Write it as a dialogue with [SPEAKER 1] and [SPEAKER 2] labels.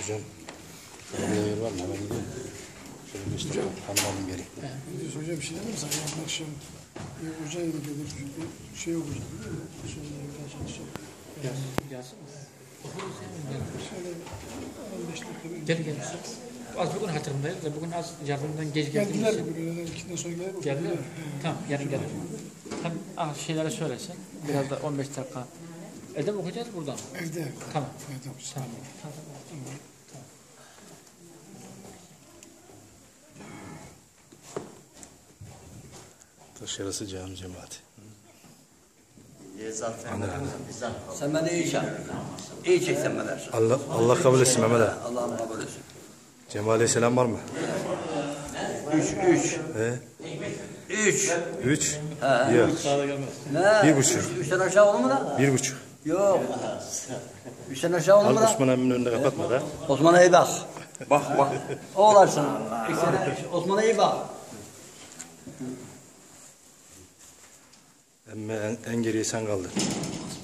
[SPEAKER 1] Hocam, burada yer var mı? Hemen gidiyorum. Şöyle bir işte hanım geleyim.
[SPEAKER 2] Diyorsun hocam bir şey demem sen yarın akşam hocaya da gelir çünkü şey olacak. Sonra evden çalışacak.
[SPEAKER 3] Yazsın mı?
[SPEAKER 2] Şöyle 15 dakika bir
[SPEAKER 3] Gel gel. Az bugün hatırımdayız da bugün az yardımdan geç geldiğimiz
[SPEAKER 2] geldiler
[SPEAKER 3] için.
[SPEAKER 2] bugün öğleden 2'den sonra gelir.
[SPEAKER 3] Geldiler mi? Tamam yarın gelir. Hem şeylere söylesin. Biraz da 15 dakika. Evde mi okuyacağız buradan?
[SPEAKER 2] Evde.
[SPEAKER 3] Tamam.
[SPEAKER 2] Evde.
[SPEAKER 3] Tamam.
[SPEAKER 1] Dışarısı cami cemaati.
[SPEAKER 4] Sen beni iyi çek. İyi çek sen beni.
[SPEAKER 1] Allah kabul etsin Mehmet abi.
[SPEAKER 4] Allah'ım kabul etsin.
[SPEAKER 1] Cema Aleyhisselam var mı?
[SPEAKER 4] 3.
[SPEAKER 1] He?
[SPEAKER 4] 3.
[SPEAKER 1] 3?
[SPEAKER 4] He.
[SPEAKER 1] Yok.
[SPEAKER 4] Ne?
[SPEAKER 1] 1,5.
[SPEAKER 4] 3'ten aşağı olur mu da?
[SPEAKER 1] 1,5.
[SPEAKER 4] Yok. 3'ten aşağı olur
[SPEAKER 1] Al
[SPEAKER 4] mu da?
[SPEAKER 1] Osman emminin önünde kapatma da.
[SPEAKER 4] Osman'a iyi bak. Bak. Oğlarsın. Osman'a iyi bak.
[SPEAKER 1] Emme en geriye sen kaldın.